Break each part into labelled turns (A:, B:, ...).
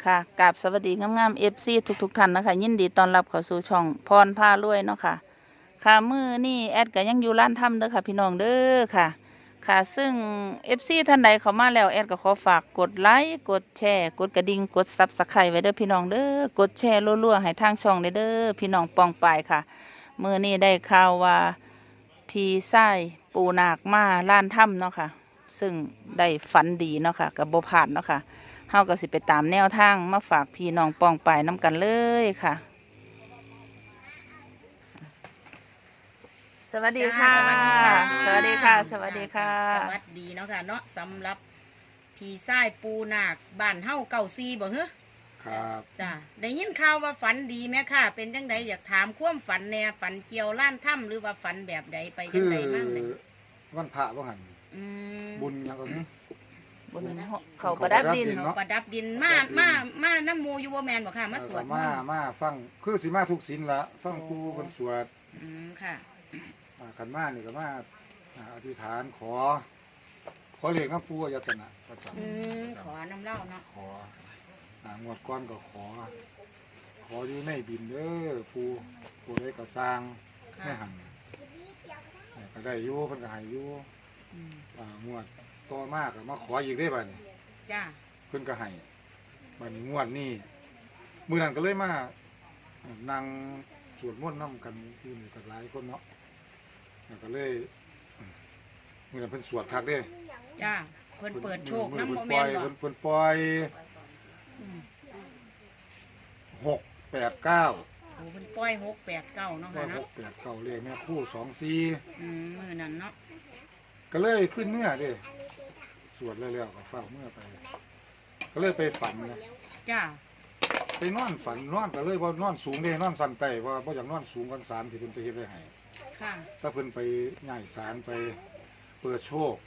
A: ค่ะกราบสวัสดีงามๆFC ทุกท่านนะคะยินดีต้อนรับเข้าสู่ช่องพรพารวยเนาะค่ะค่ะมื้อนี้แอดก็ยังอยู่ร้านทำเด้อค่ะพี่น้องเด้อค่ะค่ะซึ่ง FC ท่านใดเข้ามาแล้วแอดก็ขอฝากกดไลค์กดแชร์กดกระดิ่งกด Subscribe ไว้เด้อพี่น้องเด้อกดแชร์รัวๆให้ทางช่องเด้อพี่น้องปองปายค่ะมื้อนี้ได้ข่าวว่าพี่ชายปูนาคมาร้านถ้ำเนาะค่ะซึ่งได้ฝันดีเนาะค่ะกับบ่พลาดเนาะค่ะ เฮาก็สิไปตามแนวทางมาฝากพี่น้องปองไปน้ำกันเลยค่ะ สวัสดีค่ะ
B: สวัสดีค่ะ
A: สวัสดีค่ะ สวัสดีค่ะ
B: สวัสดีเนาะค่ะเนาะสำหรับพี่ชายปูนาคบ้านเฮาเก่าซีบ่เหรอ
C: ครับ
B: จ้ะได้ยินข่าวว่าฝันดีไหมค่ะ เป็นจังไดอยากถามความฝันแน่ฝันเกี่ยวล้านถ้ำหรือว่าฝันแบบใดไปจั
C: คื
B: ง
C: อ
B: ไดบ้างเลย
C: วันพระว่าหัน
B: อืม
C: บุญแล้วก็นี้
A: บนเขาประดับดิน
C: เนาะ
B: ประดับดินมาน้ำหมูอยู่บ่แมนบ่ค่ะมาสวดมนต์
C: มาฟังคือสิมาทุกศีลละฟังครูคนสวด
B: อืมค่ะ
C: ขันมานี่ก็มาอธิษฐานขอเรียกน้ำปูอายตนะประจ
B: อืมขอน้ำเหล้าเนาะ
C: ำงวดก้อนก็ขออยู่ในบินเด้อปูได้ก็สร้างไม่
B: ค่ะ
C: หันก็ได้อยู่เพิ่นก็ให้อยู่
B: อืม
C: งวดต่อมากก็มาขออีกได้บ่นี่
B: จ้า
C: เพิ่นก็ให้บัดนี้งวดนี้มื้อนั้นก็เลยมานั่งสวดมนต์นำกันอยู่นี่กับหลายคนเนาะแล้วก็เลยมื้อนั้นเพิ่นสวดคักเด้
B: จ้าเพิ่นเปิดโชค
C: มื้อ
B: น้ำ
C: เพิ่
B: บ่
C: น
B: แม
C: ปล่อน ย
B: บ่
C: เพิ่นปล่อย
B: อืม
C: 689
B: โอ้เพิ่นปล่อย689เนาะ
C: ปล่อ
B: ค่ะ
C: ย
B: เนาะ
C: 689เลขแม่คู่24
B: มื้อนั้นเนาะ
C: ก็เลยขึ้นเมื่อเด้สวดแล้วก็เฝ้าเมื่อไป ก็เลยไปฝันนะ
B: จ้า
C: ไปนอนฝันนอนก็เลยบ่นอนสูงเด้นอนสั่นไต้ว่าบ่อยากนอนสูงกันศาลที่เพิ่นไปเฮ็ดไว้ให้
B: ค่ะ
C: ถ้าเพิ่นไปง่ายศาลไปเปิดโชค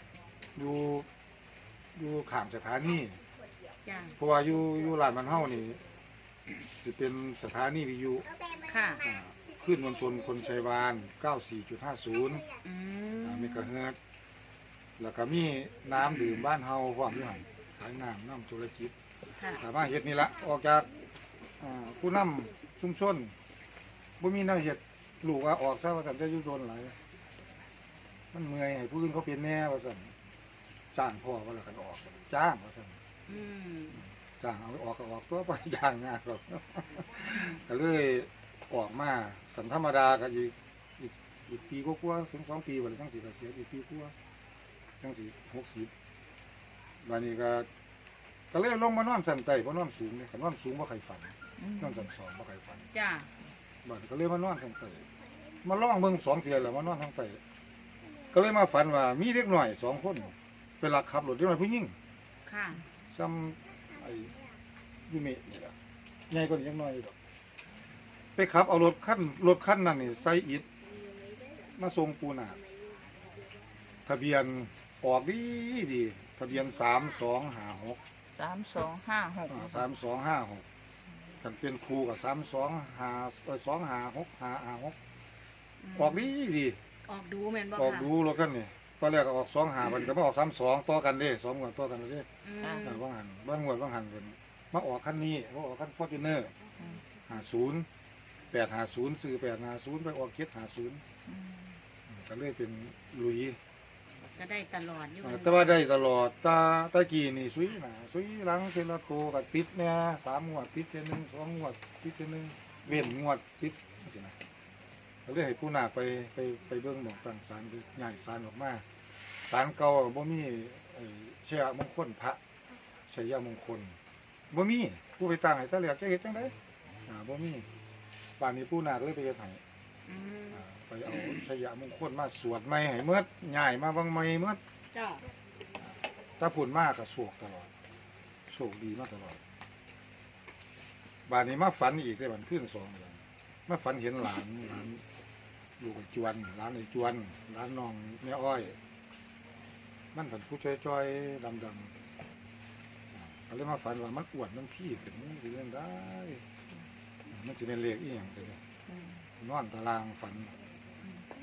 C: อยู่ข้างสถานี
B: จ้า
C: เพราะว่าอยู่ร้านมันเฮานี่สิเป็นสถานีวิทยุ
B: ค่ะ
C: ขึ้นมวลชนคนชัยวาน 94.50
B: อืม
C: เมกะเฮิรตซ์แล้วก็มีน้ำดื่มบ้านเฮาพร้อมอยู่หั่นขายน้ำธุรกิจ
B: ค่ะ
C: สามารถเฮ็ดนี่ละออกจากผู้นำชุมชนบ่มีแนวเฮ็ดลูกว่าออกซะว่าซั่นจะอยู่โดนหลายมันเมื่อยให้ผู้อื่นเขาเป็นแน่ว่าซั่นจ้างพ่อว่าแล้วกันออกจ้างว่าซั่น
B: อืม
C: จ้างเอาออกก็ออกตัวไป จ้างงานหรอก ก็เลยออกมาสันธรรมดาก็อีกปีกว่าๆถึง2 ปีบ่ได้จังสิเกษียณอีกปีกว่าจังสิ60บัดนี้ก็เลยลงมานอนสันไต่บ่นอนสูงเนี่ยคันนอนสูงบ่ใครฝันนอนสันสองบ่ใครฝัน
B: จ้า
C: บัดก็เลยมานอนสันไต่มาลองเบิ่ง2 เทื่อแล้วมานอนทางไต่ก็เลยมาฝันว่ามีเด็กน้อย2 คนไปลักขับรถเด็กน้อยผู้หญิง
B: ค่ะ
C: ซ้ำไอ้ยูเมะนี่ล่ะใหญ่กว่านี้จังน้อยอยู่ดอกไปขับเอารถคันนั้นนี่ใส่อิฐมาส่งปูนาคทะเบียนออกดีทะเบียน3256 3256กันเป็นครูกับ325256ออกดี
B: ออกดูแม่นบ่
C: ออก
B: ค่ะ
C: ดูรถคันนี่ตอนแรกก็ออก25มันก็มาออก32ต่อกันเด้2งวดต่อกันเด้
B: อืม
C: บางหันบางงวดบางหันเพิ่นมาออกคันนี้มาออกคัน Fortuner 50 850ซื้อ850ไปออก750ก็เลยเป็นลุย
B: ก็ได้ตลอดอยู่
C: แต่ว่าได้ตลอดตากี้นี่สุยหน้าสุยหลังเทละโตก็ติดเนี่ย3 งวดติดเทื่อนึง2 งวดติดเทื่อนึงเว้นงวดติดจังซี่นะก็เลยให้ผู้นาคไปเบิ่งหม้องตั้งศาลคือย้ายศาลออกมาศาลเก่าบ่มีชัยมงคลพระชัยมงคลบ่มีผู้ไปตั้งให้ตะแหลกจะเฮ็ดจังได๋บ่มีป่านนี้ผู้นาคเลยไปเฮ็ดให้
B: อืม
C: ไปเอาชัยมงคลมาสวดใหม่ให้เมิดย้ายมาบางใหม่เมิด
B: จ้า
C: ถ้าพูดมากก็โชคตลอดโชคดีมาตลอดบานนี้มาฝันอีกได้บันขึ้น2 เดือนมาฝันเห็นหลานลูกไอ้จวนหลานไอ้จวนหลานน้องแม่อ้อย มันผันผู้จ้อยๆดำก็เลยมาฝันว่ามันอ้วนมันพี่ขึ้นมันสิเล่นได้ มันสิเป็นเลขอีหยังจังนอนตารางฝัน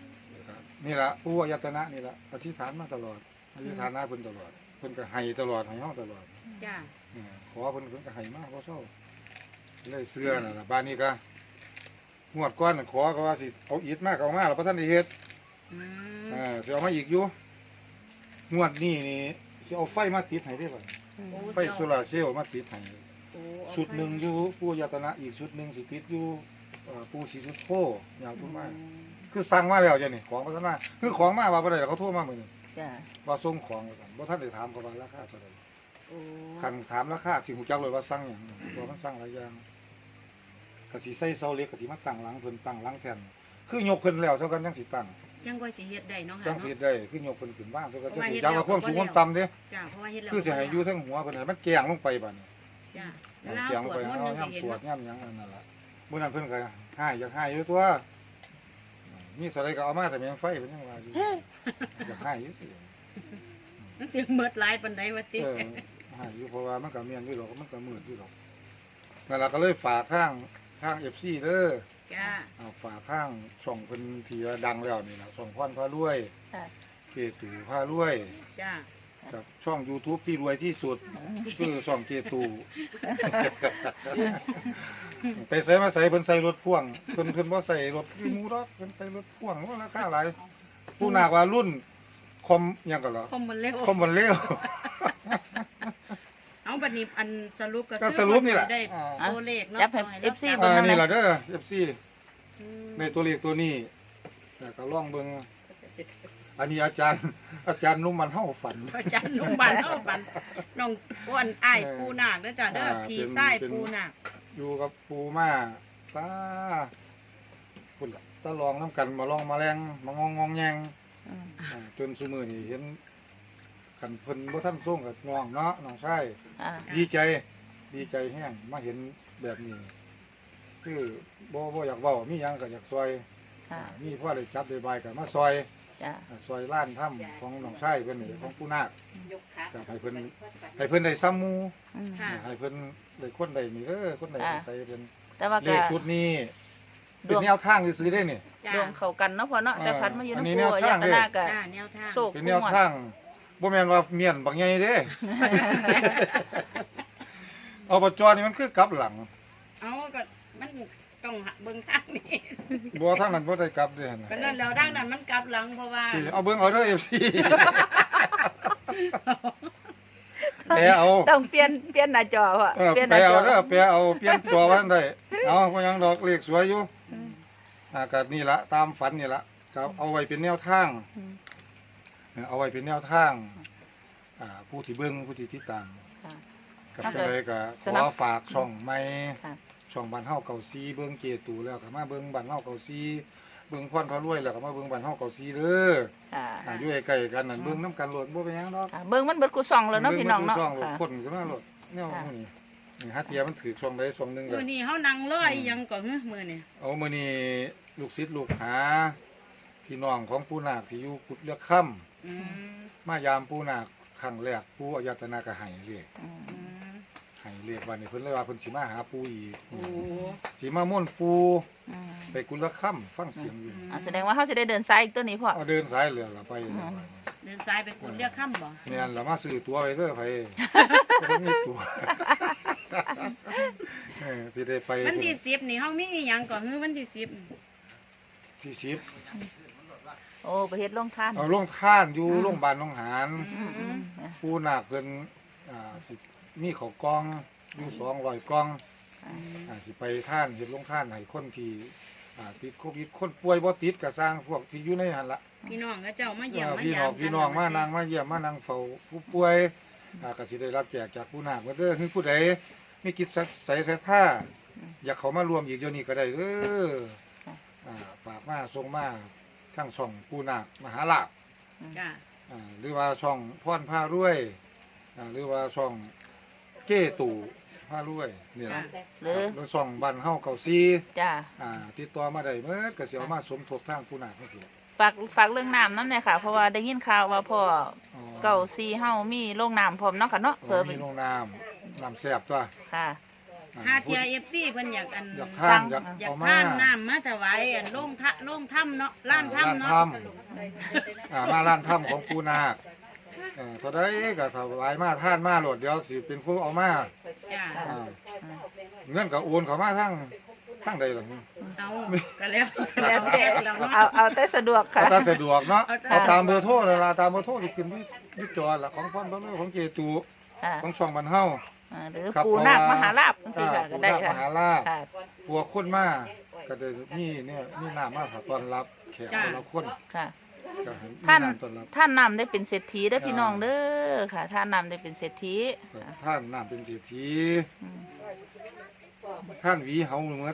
C: ครับนี่ละผู้อายตนะนี่ละอธิษฐานมาตลอดอธิษฐานหน้าเพิ่นตลอดเพิ่นก็ให้ตลอดให้เฮาตลอด
B: จ้า
C: ขอเพิ่นก็ให้มาบ่เซาเลยเสื้อน่ะล่ะบ้านนี้ก็งวดก่อนขอก็ว่าสิเอาอิฐมาก็เอามาแล้วบ่ทันได้เฮ็ด
B: อืม
C: สิเอามาอีกอยู่งวดนี้นี่สิเอาไฟมาติดให้ได้บ่
B: โอ้
C: ไฟโซลาร์เซลล์มาติดให้
B: โอ้เอา
C: ชุดหนึงอยู่ผู้อายตนะอีกชุดหนึงสิติดอยู่ปู่ศรีสุโธยาวพุ่นมาคือสั่งมาแล้วจ้ะนี่ของบ่ทันมาคือของมาว่าบ่ได้เขาโทรมามื้อนี้
A: จ้ะ
C: ว่าส่งของแล้วกันบ่ทันได้ถามเขาว่าราคาเท่าใด
B: โอ้
C: คันถามราคาสิฮู้จักเลยว่าสั่งหยังบ่มันสั่งหลายอย่างก็สิใส่เสาเหล็กก็สิมาตั้งหลังเพิ่นตั้งหลังแทนคือยกเพิ่นแล้วเท่ากันจังสิตั้ง
B: จังก็สิเฮ็ดได้เนาะ
C: จั
B: ค่ะ
C: งสิ
B: เนาะ
C: ได้คือยกเพิ่นขึ้นบ้านเท่ากัน
B: เพ
C: จั
B: ราะ
C: ง
B: ว่า
C: สิ
B: เฮ็ด
C: จัก
B: แล้ว
C: ว่าความสูง
B: ก็บ่
C: ความต่ำเด้
B: จ้าเพราะว่าเฮ็ดแล้ว
C: คือสิให้อยู่เทั้งหัวเพิ่นให้มันแกงลงไปบัดนี้
B: จ้า
C: แก
B: แล้ว
C: งลง
B: ตรว
C: ไป
B: จมนต์
C: เอา
B: นึงก็
C: ย่ํ
B: เห็น
C: สวด
B: เนาะ
C: ย่ํหยังอันนั่นล่ะมื้อนั้นเพิ่นก็ให้อยากให้อยู่ตัวมีเท่าใดก็เอามาแต่ยังไฟเพิ่นยังว่าอยู่อยากให้อยู่สิ
B: มันสิเมิดหลายปานใดวะติ
C: ให้อยู่เพราะว่ามันก็เมียนอยู่ดอกมันก็มืดอยู่ดอกนั่นล่ะก็เลยฝากทาง FC เด้อ
B: จ้า
C: เอาฝากข้างช่องเพิ่นที่ว่าดังแล้วนี่นะช่องพรพารวย
A: ค่ะ
C: เกตู่พารวย
B: จ้า
C: กับช่อง YouTube ที่รวยที่สุดคือช่องเกตู่ ไปใส่มาใส่เพิ่นใส่รถพ่วงเพิ่นบ่ใส่รถคือหมูดอกเพิ่นใส่รถพ่วงว่าราคาหลายผู้นากว่ารุ่นคอมหยังก็เหรอ
B: คอมมันเร็ว
C: คอมมันเร็ว
B: เอาบัดนี้อันสรุปก็
C: ก็
B: คือ
C: สรุปนี่แหละ
B: ได้ตัวเลขเนาะ
A: จับให้
B: อารา
A: FC
B: จำ
A: เบิ่ง
C: นี่ล่ะเด้อ FC
B: อืม
C: ในตัวเลขตัวนี้แต่ก็ลองเบิ่งอันนี้อาจารย์นุ่มมันเฮาฝัน
B: อาจารย์นุ่มบันเนาะบันน้องอ้วนอ้ายปูนาคเด้อจ้าเด้อพี่ชายปูนาค
C: อยู่กับปูมาตาพุ่นล่ะตาลองน้ำกันมาลองมาแรงมางองแยง
A: อืม
C: จนซุมือนี่เห็นขันเพิ่นบ่ทันส่งกับน้องเนาะน้องชาย
A: อ่า
C: ดีใจแห้งมาเห็นแบบนี้ คือบ่อยากเว้ามีหยังก็อยากซอย
A: ค่ะ
C: มีพ่อได้จับได้บายก็มาซอย
A: จ้ะ
C: ซอยล้านถ้ำของน้องชายเพิ่นนี่ของปูนาคก็ให้เพิ่นได้ซ้ำหมู่
A: อืม
B: ค่ะ
C: ให้เพิ่นได้คนใดนี่คนใดใส่เพิ่น
A: แต่ว่า
C: เล
A: ก็
C: ขชุดนี้
A: ด
C: เป็น
A: วง
C: แนวทางซื้อได้นี่
B: จ้า
A: ดวงเข้ากันเนาะพ่อเนาะแต่พัดมาอยู่
C: อันนี้
A: น้ำปู
C: แนว
A: ยั
C: ทาง
A: ตนาก็
B: จ้าแนวทาง
A: โศก
C: เป็นแนวทางบ่แม่นว่าเมียนบางใหญ่เด้ อบจนี่มันคือกลับหลัง
B: เอาก็มันต้องเบิ่งทางนี่
C: บ่ทางนั้นบ่ได้กลับเด้หั่นน่ะ
B: ก็นั่นแล้วดังนั้นมันกลับหลังเพราะว่า
C: สิเอาเบิ่งเอาเด้อ FC แต่เอา
A: ต้องเปลี่ยนหน้าจอพ่อเปลี่ยนห
C: ไป
A: น้าจ
C: เอา
A: อ
C: เด้อไปเอาเปลี่ยนจอไว้ได้เอาบ่หยังดอกเลขสวยอยู่ก็นี่ละตามฝันนี่ละก็เอาไว้เป็นแนวทาง
A: อืม
C: เอาไว้เป็นแนวทางผู้ที่เบิ่งผู้ที่ติดตาม
A: ค่ะ
C: กับ
A: ถ้า
C: จั
A: เกิ
C: ง
A: ด
C: ไดก็
A: ส
C: ข
A: นับ
C: อฝากช่องใหม่
A: ค่ะ
C: ช่องบ้านเฮาเก่าซีเบิ่งเกตูแล้วก็มาเบิ่งบ้านเฮาเก่าซีเบิ่งพรพระรวยแล้วก็มาเบิ่งบ้านเฮาเก่าซีเด้อ
A: ค่ะ
C: อยู่ใกล้ๆกันนั่นเบิ่งนํกันโลดบ่เป็นหยังดอก
A: ค่ะเบิ่งมันเบิดกูส่องแล้วเนาะพี่น้องเนาะ
C: บิ่บิ่ง
A: ค่ะ
C: คนขึ้นมาโลดแนว
A: ค่ะ
C: พวกนี้นี่หาเทียมันถือช่องใดช่องหนึงก็
B: มื้อนี้เฮานั่งรออีหยังก็มื้อนี่
C: เอามื้อนี้ลูกศิษย์ลูกหาพี่น้องของปู่นาคที่อยู่กุดเลือกค่ำ
B: อืม
C: มายามปู่นาคครั้งแรกปู่อายตนะก็ให้เรียก
A: อืม
B: อืม
C: ให้เรียกว่านี่เพิ่นเลยว่าเพิ่นสิมาหาปู่อีก
B: โอ้
C: สิมาม่วนปู่
A: อืม
C: ไปกุดเลือกค่ำฟังเสียงอยู่
A: อ่าแสดงว่าเขาจะได้เดินซ้ายอีกตัวนี้พ่อ
C: เอาเดินสายเรือละไป
B: เดินซ้ายไปกุดเรียกค่ำบ่
C: เนี่ยเรามาซื้อตัวไปเด้อไปบ่มีตัวสิได้ไป
B: วันที่10นี่เฮามีอีหยังก็วันที่10
C: ที่สิบ
A: โอ้ประเทศลงทาน
C: เอาโรงท่านอยู่โรงพยาบาลหนองหาน
A: อืมอืม
C: ผู้นาคเพิ่นสิมีข้าวกล่องอยู่200กล่องสิไปท่านเฮ็ดโรงท่านให้คนที่ติดโควิดคนป่วยบ่ติดก็สร้างพวกที่อยู่ในหั่นล่ะ
B: พี่น้องก็เจ้ามาเยี่ยมมา
C: พี่
B: ยา
C: น้อง
B: ม
C: พี่น้องมานั่งมาเยี่ยมมานั่งเฝ้าผู้ป่วยก็สิได้รับแจกจากผู้นาคเด้อคือผู้ใดมีจิตใสศรัทธาอยากเข้ามารวมอีกเดี๋ยวนี้ก็ได้เด้อฝากมาส่งมาทั้งช่องผู้นาคมหาลาภ
B: จ้า
C: หรือว่าช่องพรพารวยหรือว่าช่องเก้ตู่พารวยนี่
B: จ้า
C: ล่ะ
A: หรือ
C: แล้วช่องบ้านเฮาเก่าซี
A: จ้า
C: ติดต่อมาได้เมื่อก็สิเอามาสมทบทางผู้นาคนี่คือ
A: ฝากเรื่องน้ำน้ำเนี่ยค่ะ เพราะว่าได้ยินข่าวว่าพ่อเก่าซีเฮามีโรงน้ำพร้อมเนาะค่ะเนาะเพิ่
C: เพิ่
A: ม
C: มีโรงน้ำแซ่บตัว
A: ค่ะ
B: หาเทีย FC เพิ่นอยากอัน
C: อยากท่านอยาก
B: อยาก
C: เอามา
B: ทานน้ำมาถวายอันโล่งถ้ำเนาะล้านถ้ำเนาะ
C: มาร้านถ้ำของปูนาคเท่าใดก็ถวายมาท่านมาโหลดเดี๋ยวสิเป็นผู้เอามา
B: จ้า
C: อ่าเงินก็โอนเขามาทั้งใดล่ะ
B: เอาก็แล้วแต่แล้วเนาะ
A: เอาแต่สะดวกค่ะ
C: เอาตามสะดวกเนาะ
B: เอาตาม
C: เอาตามเบอร์โทรนั่นล่ะตามเบอร์โทรที่ขึ้นที่จอล่ะของพ่อนพ่อแม่ของเจตู
A: ค่ะ
C: ของช่องบ้านเฮา
A: หรือ
C: ครับ
A: ปูนาคมหาลาภจังซี่ค่ะก็ได้
C: ปู่นาค
A: ค่ะ
C: มหาลาภ
A: ค่ะ
C: ปัวคนมาก็ได้มีเนี่ยมีน้ำมาต้อนรับแขกแต่ละคน
A: ค่ะ
C: ก็ให้มี
A: ท่าน
C: น้ำต้อนรับ
A: ท่านนำได้เป็นเศรษฐีได้อพี่น้องเด้อค่ะ ท่านนำได้เป็นเศรษฐีค่ะ
C: ท่านน้ำเป็นเศรษฐี
A: อืม
C: ท่านหวีเฮาเหมือน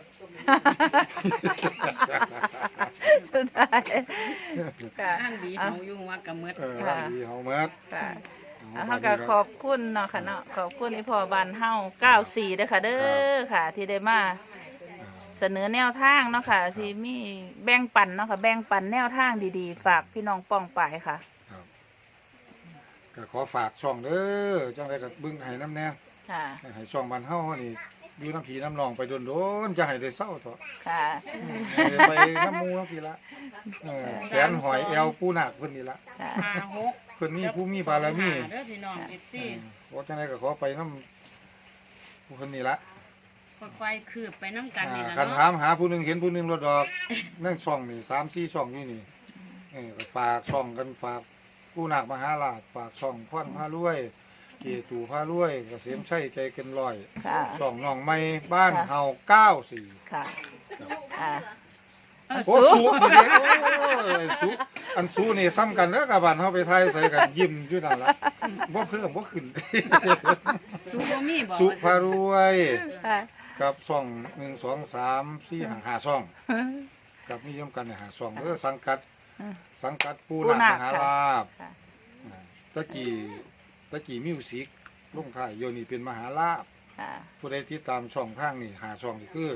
A: สุดท้ายค่ะ
B: ท่านบีเฮาอยู่ว่ากับเมือ
C: ท่านหวีเฮาเหมือน
A: ค่ะแล้วเขาก็ขอบคุณเนาะค่ะเนาะขอบคุณที่พ่อบ้านเฮา94เด้อค่ะเด้อค่ะ ที่ได้มาเสนอแนวทางเนาะค่ะ ที่มีแบ่งปันเนาะค่ะแบ่งปันแนวทางดีๆ ฝากพี่น้องป้องปายค่ะ
C: ครับก็ขอฝากช่องเด้อจังได๋ก็เบิ่งให้น้ำแน่
A: ค่ะ
C: ให้ช่องบ้านเฮานี่อยู่น้ำผีน้ำนองไปโดนๆจะให้ได้เศร้าเถอะ
A: ค่ะ
C: ให้ไปน้ำมูน้ำผีละแขนหอยแอวปูนาคเพิ่นนี่ละ
A: ค่ะ
B: 56
C: เพิ่นมีผู้มีบารมี
B: เด้อพี่น้อง FC
C: โอ้จังได๋ก็ขอไปน้ำผู้เพิ่นนี่ละ
B: ค่อยๆคืบไปน้ำกันนี่ล่ะ
C: คันถา
B: เนาะ
C: มหาผู้หนึงเห็นผู้หนึงรถดอกนั่งช่องนี่3-4ช่องอยู่นี่ก็ฝากช่องกันฝากปูนาคมหาราชฝากช่องพ่อนพารวย เกตูพารวยเกษมชัยใจเกินร้อย
A: ค่ะ
C: ช่องน้องใหม่บ้านเฮา94
A: ค่ะค่ะ
C: โอ้สูนี่เด้โอ้ยสูอันสูนี่ซ้ำกันเด้อกับบ้านเฮาไปไทยใส่กันยิ้มอยู่นั่นล่ะบ่เพิ่มบ่ขึ้น
B: สูบ่มีบ่
C: สุพารวย
A: ค่ะ
C: กับช่อง1 2 3 4 5ช่องกับนิยมกัน5ช่องเด้อสังกัดปูนาคมหาลาภ
A: ค่ะ
C: ตะกี้มิวสิกลงท้ายโยนี่เป็นมหาลาภ
A: ค่ะ
C: ผู้ใดติดตามช่องทางนี่5ช่องนี่คือ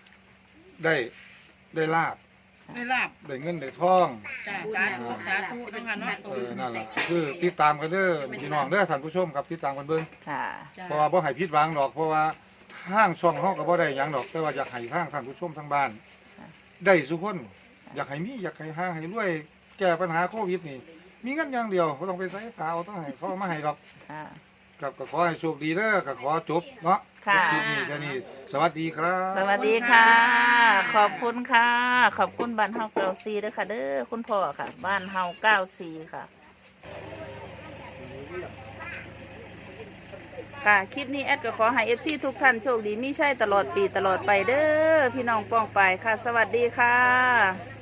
C: ได้ลาภ
B: ไม่ลาบ
C: ได้เงินได้ทอง
B: จ้าสาธุสาธุนะคะเนาะ
C: นั่นแหละคือติดตามกันเด้อพี่น้องเด้อท่านผู้ชมครับติดตามกันเบิ่ง
A: ค่ะ
B: จ้า
C: เพราะว่าบ่ให้ผิดหวังดอกเพราะว่าทางช่องเฮาก็บ่ได้หยังดอกแต่ว่าอยากให้ทางท่านผู้ชมทางบ้าน ได้ทุกคนอยากให้มีอยากให้ห่างให้รวยแก้ปัญหาโควิดนี่มีเงินอย่างเดียวบ่ต้องไปใส่ขาวต้องให้เขาเอามาให้ดอก
A: ค่ะ
C: กับก็ขอให้โชคดีเด้อก็ขอจบเนาะ
A: ค่ะ
C: คลิปนี้แค่นี้สวัสดีครับ
A: สวัสดีค่ะ ขอบคุณค่ะ ขอบคุณบ้านเฮา94ด้วยค่ะ เด้อคุณพ่อค่ะ บ้านเฮา94ค่ะ ค่ะ คลิปนี้แอดก็ขอให้ FC ทุกท่านโชคดีมีใช่ตลอดปีตลอดไปเด้อพี่น้องป้องไปค่ะ สวัสดีค่ะ